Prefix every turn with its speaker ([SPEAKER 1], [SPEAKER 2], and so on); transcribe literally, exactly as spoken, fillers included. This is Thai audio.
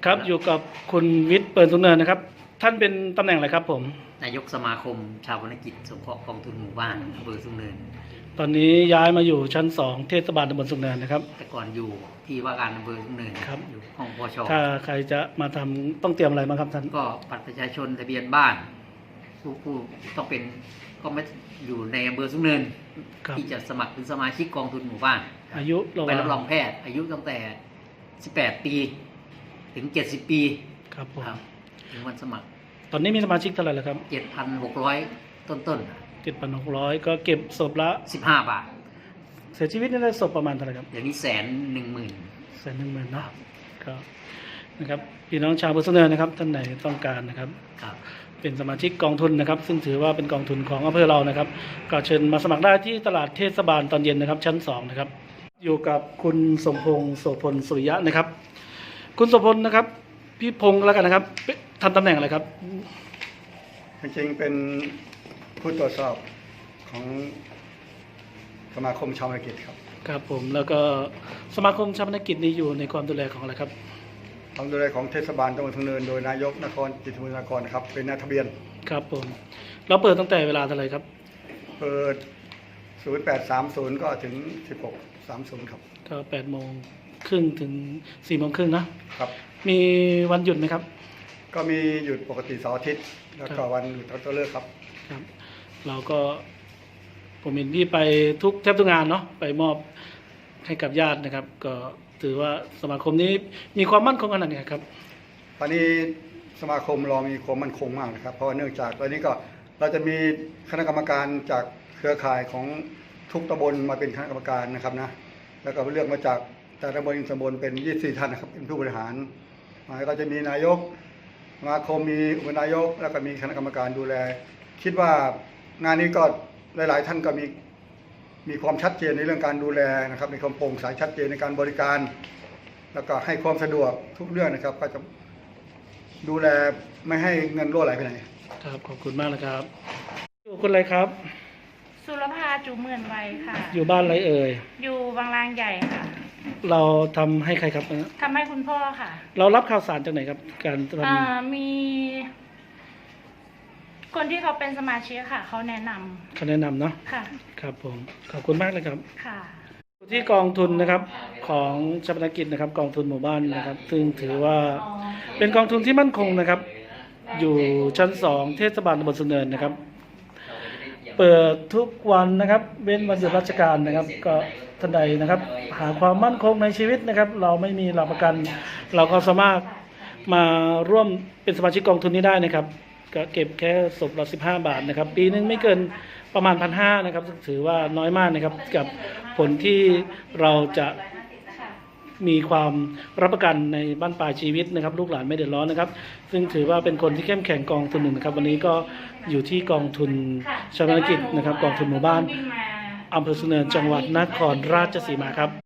[SPEAKER 1] ครับอยู่กับคุณวิทย์เปิดสุนเนินนะครับท่านเป็นตำแหน่งอะไรครับผม
[SPEAKER 2] นายกสมาคมชาววรรณกิจสงเคราะห์กองทุนหมู่บ้านอำเภอสุนเนิน
[SPEAKER 1] ตอนนี้ย้ายมาอยู่ชั้นสองเทศบาลตำบลสุนเนินนะครับ
[SPEAKER 2] แต่ก่อนอยู่ที่ว่าการอำเภอสุนเนิน
[SPEAKER 1] ครับ
[SPEAKER 2] อยู่ห้องปช
[SPEAKER 1] ถ้าใครจะมาทำต้องเตรียมอะไรบ้างครับท่าน
[SPEAKER 2] ก็บัตรประชาชนทะเบียนบ้านผู้ผู้ต้องเป็นก็ไม่อยู่ในอำเภอสุนเนินที่จะสมัครเป็นสมาชิกกองทุนหมู่บ้าน
[SPEAKER 1] อายุ
[SPEAKER 2] ใบรับรองแพทย์อายุตั้งแต่สิบแปดปีถึงเจ็ดสิบปี
[SPEAKER 1] ครับผม
[SPEAKER 2] ถึงวันสมัคร
[SPEAKER 1] ตอนนี้มีสมาชิกเท่าไหร่แล้วครับ
[SPEAKER 2] เจ็ดพันหกร้อยต้นต้น
[SPEAKER 1] เจ็ดพันหกร้อยก็เก็บศพละ
[SPEAKER 2] สิบห้าบาท
[SPEAKER 1] เสียชีวิตนี่ได้ศพประมาณเท่าไหร่ครับ
[SPEAKER 2] อย่างนี้แสนหนึ่งหมื่น
[SPEAKER 1] แสนหนึ่งหมื่นเนาะก็นะครับพี่น้องชาวอำเภอสุนเนินนะครับท่านไหนต้องการนะครับเป็นสมาชิกกองทุนนะครับซึ่งถือว่าเป็นกองทุนของอำเภอเรานะครับก็เชิญมาสมัครได้ที่ตลาดเทศบาลตอนเย็นนะครับชั้นสองนะครับอยู่กับคุณสมพงษ์โสพลสุริยะนะครับคุณโสพลนะครับพี่พงษ์แล้วกันนะครับทำตำแหน่งอะไรครับ
[SPEAKER 3] จริงๆเป็นผู้ตรวจสอบของสมาคมชาวธุรกิจครับ
[SPEAKER 1] ครับผมแล้วก็สมาคมชาวธุรกิจนี้อยู่ในความดูแลของอะไรครับ
[SPEAKER 3] ความดูแลของเทศบาลตำบลสุนเนินโดยนายกนครจิตรบุญนครครับเป็นนายทะเบียน
[SPEAKER 1] ครับผมเราเปิดตั้งแต่เวลาเท่าไหร่ครับ
[SPEAKER 3] เปิดศูนย์แปดสามศูนย์ก็ถึงสิบหกสามศูนย์ครับ
[SPEAKER 1] ก็แปดโมงครึ่งถึงสี่โมงครึ่งนะครับมีวันหยุดไหมครับ
[SPEAKER 3] ก็มีหยุดปกติเสาร์อาทิตย์แล้วก็วันหยุดตัวเลิกครับ
[SPEAKER 1] ครับเราก็ผมเห็นพี่ไปทุกแทบทุกงานเนาะไปมอบให้กับญาตินะครับก็ถือว่าสมาคมนี้มีความมั่นคงขนาดไหนครับ
[SPEAKER 3] ตอนนี้สมาคมเรามีความมั่นคงมากนะครับเพราะเนื่องจากตอนนี้ก็เราจะมีคณะกรรมการจากเครือข่ายของทุกตำบลมาเป็นคณะกรรมการนะครับนะแล้วก็เลือกมาจากแต่ละตำบลตำบลเป็นยี่สิบสี่ท่านนะครับเป็นผู้บริหารแล้วก็จะมีนายกสมาคมมีอุปนายกแล้วก็มีคณะกรรมการดูแลคิดว่างานนี้ก็หลายๆท่านก็มีมีความชัดเจนในเรื่องการดูแลนะครับมีความโปร่งใสชัดเจนในการบริการ แล้วก็ให้ความสะดวกทุกเรื่องนะครับก็จะดูแลไม่ให้เงินรั่วไหลไปไหน
[SPEAKER 1] ครับขอบคุณมากนะครับอยู่คนอะไรครับ
[SPEAKER 4] สุรภาจูเมือนไวค่ะ
[SPEAKER 1] อยู่บ้านอะไรเอ่ย
[SPEAKER 4] อยู่บางลางใหญ่ค่ะ
[SPEAKER 1] เราทำให้ใครครับ
[SPEAKER 4] ทำให้คุณพ่อค่ะ
[SPEAKER 1] เรารับข่าวสารจากไหนครับการท
[SPEAKER 4] ำมีคนที่เขาเป็นสมาชิกค่ะเขาแนะนำ
[SPEAKER 1] เขาแนะนำเนาะ
[SPEAKER 4] ค่ะ
[SPEAKER 1] ครับผมขอบคุณมากเลยครับ
[SPEAKER 4] ค่ะ
[SPEAKER 1] ที่กองทุนนะครับของชาปนกิจนะครับกองทุนหมู่บ้านนะครับซึ่งถือว่าเป็นกองทุนที่มั่นคงนะครับอยู่ชั้นสองเทศบาลตำบลสุนเนินนะครับเปิดทุกวันนะครับเว้นวันหยุดราชการนะครับก็ท่านใดนะครับหาความมั่นคงในชีวิตนะครับเราไม่มีหลักประกันเราก็สามารถมาร่วมเป็นสมาชิกกองทุนนี้ได้นะครับก็เก็บแค่ศพละสิบห้าบาทนะครับปีนึงไม่เกินประมาณพันห้านะครับถือว่าน้อยมากนะครับกับผลที่เราจะมีความรับประกันในบ้านปลายชีวิตนะครับลูกหลานไม่เดือดร้อนนะครับซึ่งถือว่าเป็นคนที่เข้มแข็งกองทุนหนึ่งนะครับวันนี้ก็อยู่ที่กองทุนชาปนกิจนะครับกองทุนหมู่บ้านอำเภอสุนเนินจังหวัดนครราชสีมาครับ